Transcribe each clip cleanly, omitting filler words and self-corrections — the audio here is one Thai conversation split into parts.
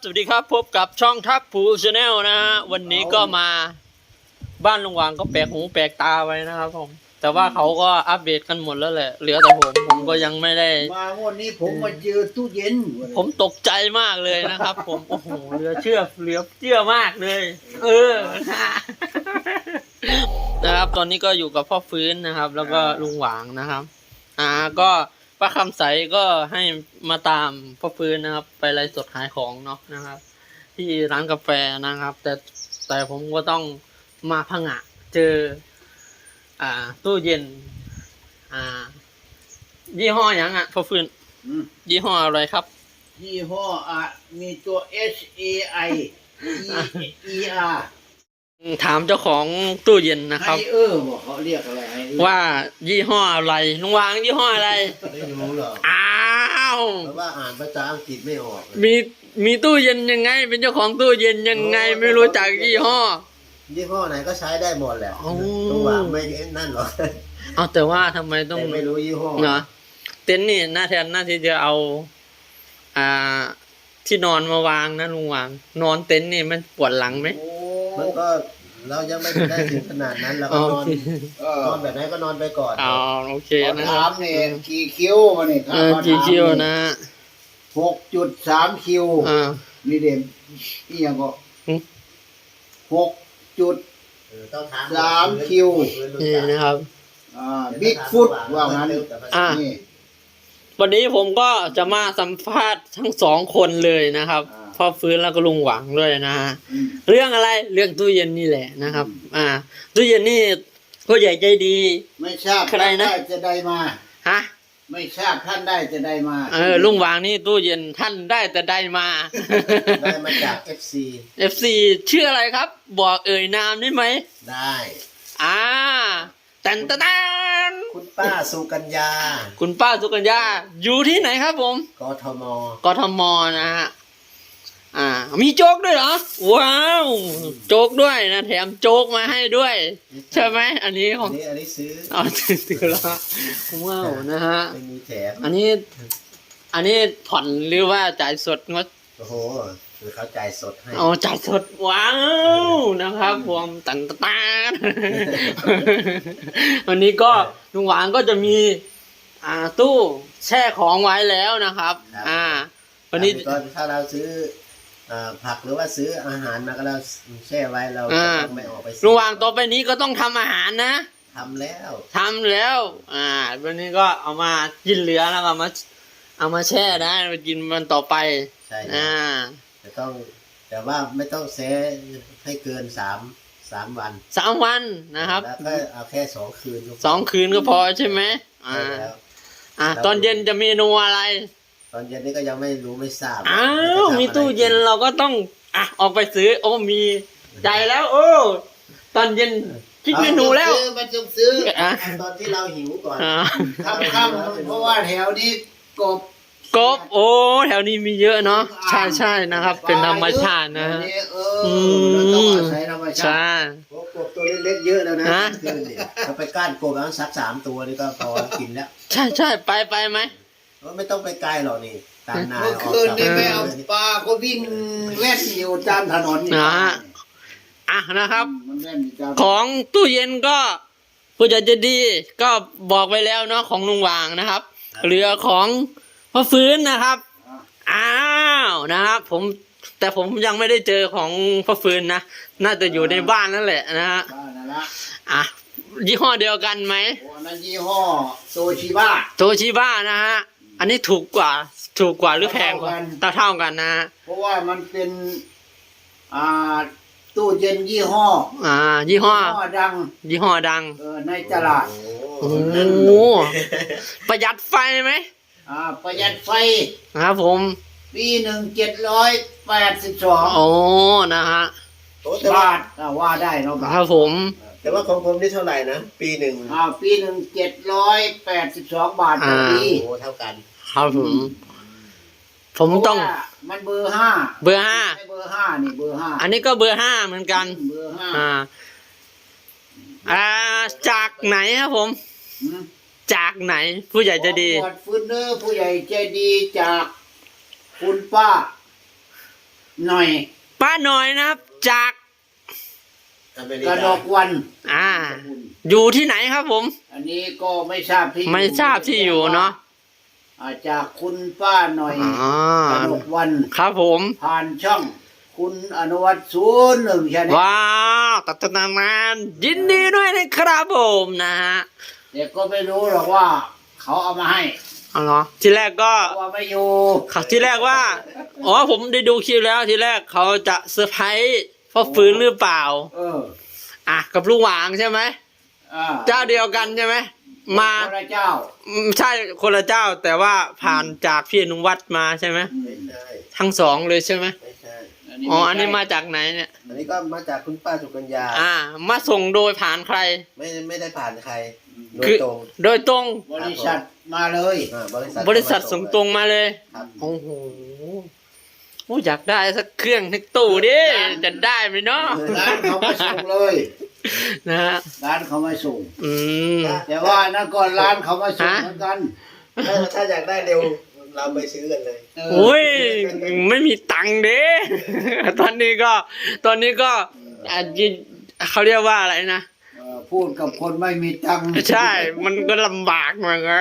สวัสดีครับพบกับช่องทักผูชาแนลนะฮะวันนี้ก็มาบ้านลุงหวางก็แปลกหูแปลกตาไว้นะครับผมแต่ว่าเขาก็อัปเดตกันหมดแล้วแหละเหลือแต่ผมก็ยังไม่ได้มาวันนี้ผมมาเจอตู้เย็นผมตกใจมากเลยนะครับผมโอ้โหเหลือเชื่อมากเลยนะครับตอนนี้ก็อยู่กับพ่อฟื้นนะครับแล้วก็ลุงหวางนะครับก็ป้าคำใสก็ให้มาตามพ่อฟื้นนะครับไปไลฟ์สดขายของเนาะนะครับที่ร้านกาแฟนะครับแต่ผมก็ต้องมาผงะเจอตู้เย็นยี่ห้ออย่างพ่อฟื้นยี่ห้ออะไรครับยี่ห้อมีตัว HAI ER ถามเจ้าของตู้เย็นนะครับบอกเขาเรียกอะไรว่ายี่ห้ออะไรลุงวางยี่ห้ออะไรไม่รู้หรอกอ้าวเพราะว่าอ่านภาษาอังกฤษไม่ออกมีตู้เย็นยังไงเป็นเจ้าของตู้เย็นยังไงไม่รู้จักยี่ห้อไหนก็ใช้ได้หมดแหละลุงวางไม่นั่นหรอกเอาแต่ว่าทำไมต้องไม่รู้ยี่ห้อเนาะเต็นท์นี่หน้าที่จะเอาที่นอนมาวางนะลุงวางนอนเต็นท์นี่มันปวดหลังไหมมันก็เรายังไม่ได้ถึงขนาดนั้นเราก็นอนแบบไหนก็นอนไปก่อนโอเคนะถามเนี่ยกี่คิวมาเนี่ยกี่คิวนะ 6.3 คิวนี่เด่นนี่ยังก็6.3 คิวนี่นะครับบิ๊กฟุตว่างั้นวันนี้ผมก็จะมาสัมภาษณ์ทั้งสองคนเลยนะครับพ่อฟื้นแล้วก็ลุงหวังด้วยนะฮะเรื่องอะไรเรื่องตู้เย็นนี่แหละนะครับตู้เย็นนี่ผู้ใหญ่ใจดีไม่ทราบใครนะจะได้มาฮะไม่ทราบท่านได้จะได้มาลุงหวังนี่ตู้เย็นท่านได้แต่ได้มาจาก FC ชื่ออะไรครับบอกเอ่ยนามได้ไหมได้แตนคุณป้าสุกัญญาอยู่ที่ไหนครับผมกทมนะฮะมีโจ๊กด้วยเหรอว้าวโจ๊กด้วยนะแถมโจ๊กมาให้ด้วยใช่ไหมอันนี้ของอันนี้ซื้อซื้อแล้วว้าวนะฮะไม่มีแถมอันนี้ผ่อนหรือว่าจ่ายสดงดโอ้โหคือเขาจ่ายสดให้จ่ายสดว้าวนะครับผมตันวันนี้ก็ลุงหวางก็จะมีตู้แช่ของไว้แล้วนะครับวันนี้ถ้าเราซื้อผักหรือว่าซื้ออาหารมาก็เราแช่ไว้เราจะไม่ออกไปลุงหวางต่อไปนี้ก็ต้องทำอาหารนะทำแล้ววันนี้ก็เอามากินเหลือแล้วก็เอามาแช่ได้มากินมันต่อไปใช่แต่ว่าไม่ต้องแช่ให้เกิน3 วันนะครับแล้วก็เอาแค่2 คืน 2 คืนก็พอใช่ไหมตอนเย็นจะเมนูอะไรตอนเย็นนี่ก็ยังไม่รู้ไม่ทราบมีตู้เย็นเราก็ต้องออกไปซื้อมีใจแล้วตอนเย็นคิดเมนูแล้วมันต้องซื้อตอนที่เราหิวก่อนค่ำเพราะว่าแถวนี้กบแถวนี้มีเยอะเนาะใช่นะครับเป็นธรรมชาตินะต้องอาศัยธรรมชาติกบตัวเล็กๆเยอะแล้วนะถ้าไปก้านกบแล้วสัก3 ตัวนี่ก็พอกินแล้วใช่ไปไหมไม่ต้องไปไกลหรอกนี่ตามนาเมื่อคืนนี่ไม่เอาปลาก็วิ่งแล่นอยู่ตามถนนนะครับของตู้เย็นก็ผู้ใหญ่จะดีก็บอกไว้แล้วเนาะของลุงหวางนะครับเหลือของพ่อฟื้นนะครับนะครับแต่ผมยังไม่ได้เจอของพ่อฟื้นนะน่าจะอยู่ในบ้านนั่นแหละนะฮะยี่ห้อเดียวกันไหมนั่นยี่ห้อโตชิบ้านะฮะอันนี้ถูกกว่าหรือแพงกว่าเท่ากันนะเพราะว่ามันเป็นตู้เย็นยี่ห้อดังในตลาดประหยัดไฟไหมประหยัดไฟครับผมปี782 นะฮะบาทว่าได้เนาะครับผมแต่ว่าของผมนี่เท่าไหร่นะปีหนึ่ง 782 บาทต่อปีเท่ากันครับผมต้องมันเบอร์ 5 ไม่เบอร์ 5นี่เบอร์ 5 อันนี้ก็เบอร์ 5เหมือนกันเบอร์ 5จากไหนครับผมจากไหนผู้ใหญ่ใจดีฟื้นเนอร์ผู้ใหญ่ใจดีจากคุณป้าหน่อยป้าหน่อยนะครับ จากอเมริกระกาดกวันอยู่ที่ไหนครับผมอันนี้ก็ไม่ทราบที่ไม่ทราบที่อยู่เนาะจากคุณป้าหน่อยอ๋อกระดกวันครับผมผ่านช่อง คุณอนุวัฒน์01ใช่ไหมว้าวตัดนานยินดีด้วยนะครับผมนะฮะเด็กก็ไม่รู้หรอกว่าเขาเอามาให้เอาเหรอทีแรกก็เพราะว่าไม่อยู่ทีแรกว่าอ๋อผมได้ดูคลิปแล้วทีแรกเขาจะเซอร์ไพรส์พ่อฟื้นหรือเปล่าเออกับลุงหวางใช่ไหมอ่าเจ้าเดียวกันใช่ไหมมาพระเจ้าใช่คนละเจ้าแต่ว่าผ่านจากพี่อนุวัฒน์มาใช่ไหมไม่ใช่ทั้งสองเลยใช่ไหมไม่ใช่อ๋ออันนี้มาจากไหนเนี่ยอันนี้ก็มาจากคุณป้าสุกัญญามาส่งโดยผ่านใครไม่ได้ผ่านใครโดคืยอตรงโดยตรงบริษัทมาเลยบริษัทส่งตรงมาเลยครับโอ้โหโอ้อยากได้สักเครื่องในตู้ดิจะได้ไหมเนาะร้านเขามาส่งเลยนะฮะร้านเขามาส่งอืมแต่ว่านั่นก่อนร้านเขามาส่งฮะเหมือนกันถ้าอยากได้เร็วเราไปซื้อกันเลยเออโอ้ยไม่มีตังค์เด้ ตอนนี้ก็อาจจะเขาเรียกว่าอะไรนะพูดกับคนไม่มีตังค์ใช่ มันก็ลำบากเหมือนกัน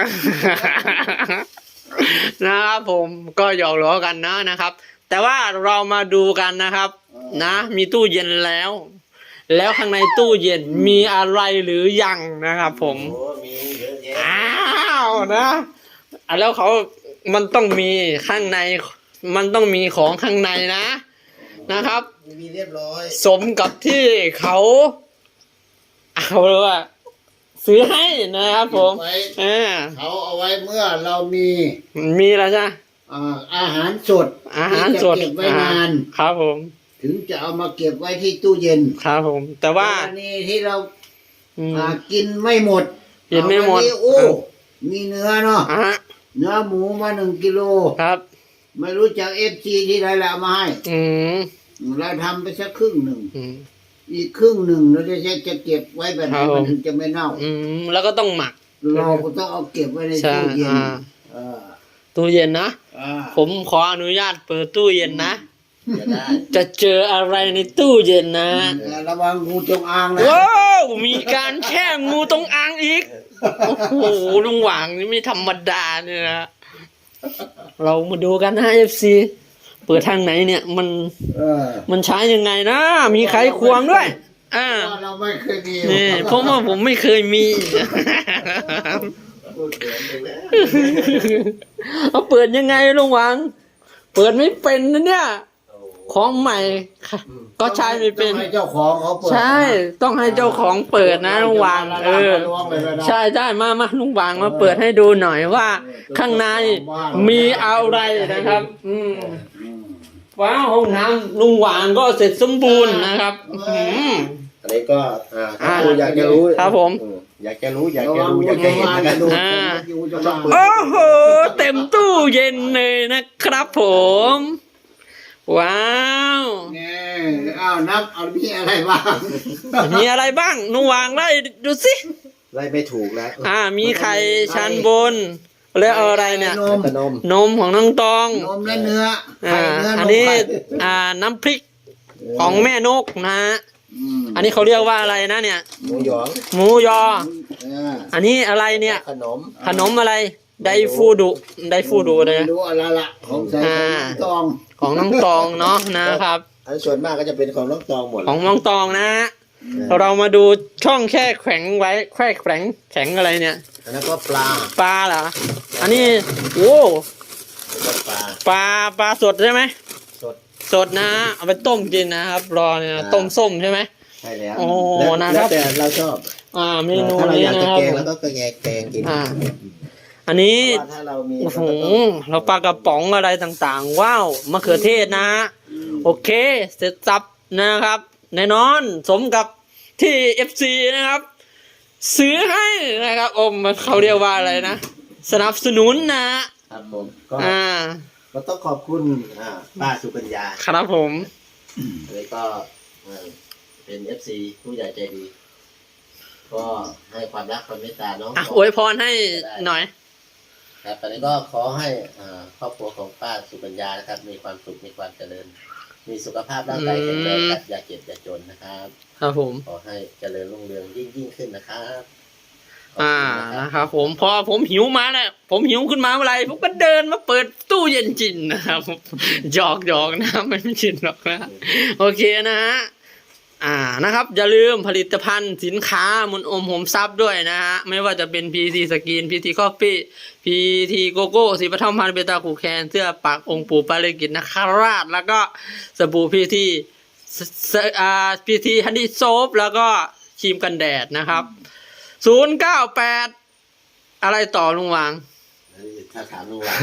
นะครับผมก็หยอกล้อกันนะครับ แต่ว่าเรามาดูกันนะครับ นะ มีตู้เย็นแล้ว แล้วข้างในตู้เย็นมีอะไรหรือยังนะครับผมโอ้มีเยอะแยะอ้าวนะแล้วมันต้องมีข้างใน มันต้องมีของข้างในนะครับมีเรียบร้อยสมกับที่เขาเอาเลยว่าซื้อให้นะครับผมไว้าเขาเอาไว้เมื่อเรามีมีแล้วใช่ไหมอาหารสดอาหารสดที่จะเก็บไว้นานครับผมถึงจะเอามาเก็บไว้ที่ตู้เย็นครับผม แต่ว่ากรณีที่เราอืมกินไม่หมดกินไม่หมดเอาวันนี้โอ้มีเนื้อเนาะฮะเนื้อหมูมา1 กิโลครับไม่รู้จากFGที่ใดแล้วเอามาให้อืมเราทำไปสักครึ่งหนึ่งอืมอีกครึ่งหนึ่งเราจะเก็บไว้แบบไหนครับผมมันถึงจะไม่เน่าอืมแล้วก็ต้องหมักเราก็ต้องเอาเก็บไว้ในใช่ตู้เย็น เออตู้เย็นนะอ่าผมขออนุญาตเปิดตู้เย็นนะจะได้จะเจออะไรในตู้เย็นนะแต่ระวังงูจงอางนะว้าวมีการแช่งูตรงอ่างอีก โอ้โหลุงหว่างนี่ไม่ธรรมดาเนี่ยนะ เรามาดูกันนะFC เปิดทางไหนเนี่ยเออมันใช้ยังไงนะ มีไขควงด้วยเพราะว่าเราไม่เคยมีนี่เพราะว่าผมไม่เคยมีพูดเหมือนกันแล้วเอาเปิดยังไงลุงหว่าง เปิดไม่เป็นนะเนี่ยโอ้ของใหม่ค่ะก็ใช้ไม่เป็นต้องให้เจ้าของเขาเปิดใช่ ต้องให้เจ้าของเปิดนะลุงหว่างล้วงเลยนะใช่มาลุงหว่างมาเปิดให้ดูหน่อยว่า ข้างในมีอะไรนะครับ อืมอืมว้าวห้องน้ำลุงหว่างก็เสร็จสมบูรณ์นะครับอืมอันนี้ก็ถ้าคุณอยากจะรู้ครับผมอยากจะรู้อยากระจะวังรู้อยากจะเห็นงูนะจงคอางรับจะดูงูจงอางโอ้โห เต็มตู้เย็นเลยนะครับผม ว้าวนี่อ้าวนับเอามีอะไรบ้างมีอะไรบ้างลุงหว่างไล่ดูสิไล่ไม่ถูกแล้วมีไข่ชั้นบน แล้วเอาอะไรเนี่ยนมขนมนมของน้องตองนมและเนื้อไข่เนื้อนอันมนี้ไข่น้ำพริกของแม่นกนะฮะมอันนี้เขาเรียกว่าอะไรนะเนี่ยหมูหยองหมูยอเอออันนี้อะไรเนี่ยขนมขนมอะไร ไดฟูดุเลยนะดูอะไรละของใส่ของตองของน้องตองเนาะนะครับอันส่วนมากก็จะเป็นของน้องตองหมดของน้องตองนะฮะเรามาดูช่องแค่แข็งไว้แค่แข็งอะไรเนี่ยอันนั้นก็ปลาปลาเหรอ อันนี้โอ้แล้วก็ปลาปลาสดใช่ไหมสดสดนะเอาไปต้มกินนะครับ รอเนี่ยต้มส้มใช่ไหมใช่แล้วโอ้แล้วนะครับแต่เราชอบเมนูถ้าเรานี้อยากนะจะครับแกงแล้วก็แกงกินอันนี้เพราะว่าถ้าเรามีโอ้โหเราก็ต้องเราปลากระป๋องอะไรต่างๆ ว้าวมะเขือเทศนะฮะโอเค เสร็จสับนะครับแน่นอนสมกับที่ FC นะครับ ซื้อให้นะครับเขาเรียกว่าอะไรนะ สนับสนุนนะฮะครับผมก็ ก็ต้องขอบคุณป้าสุกัญญาครับผมเลยก็เป็น FC ผู้ใหญ่ใจดี ก็ให้ความรักความเมตตาน้องอวยพรให้หน่อยครับตอนนี้ก็ขอให้ครอบครัวของป้าสุกัญญานะครับ มีความสุขมีความเจริญมีสุขภาพร่างกายแข็งแรงครับอย่าเจ็บอย่าจนนะครับครับผมขอให้เจริญรุ่งเรืองยิ่งขึ้นนะครับขบอ่าคุณนะครับนะครับผมพอผมหิวมาเนี่ยผมหิวขึ้นมาเมื่อไหรผมก็เดินมาเปิดตู้เย็นจินนะครับหยอกนะไม่จินหรอกนะโอเคนะฮะนะครับอย่าลืมผลิตภัณฑ์สินค้ามุนอมหมทรัพย์ด้วยนะฮะไม่ว่าจะเป็น PT สกิน PT Coffee PT โกโก้สีปฐมพันธ์เบต้าคูแคนเสื้อปักองค์ปู่ปาริกิตนคราชแล้วก็สบู่ PT PT ฮันดี้โซฟแล้วก็ครีมกันแดดนะครับ098อะไรต่อลุงวางถ้าถามลุงหวาง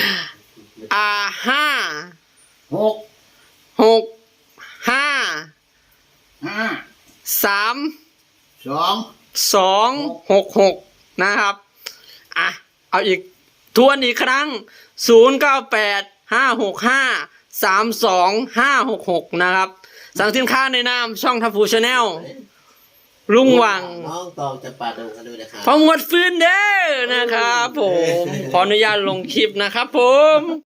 หก 5 ห้า 3 สอง 266นะครับเอาอีกทวนอีกครั้ง0985653256นะครับสั่งสินค้าในนามช่องทัฟฟูชาแนลลุงวังน้องตองจะปาดงกันด้วยนะครับพอหมดฟื้นเด้อนะครับผมขออนุญาตลงคลิปนะครับผม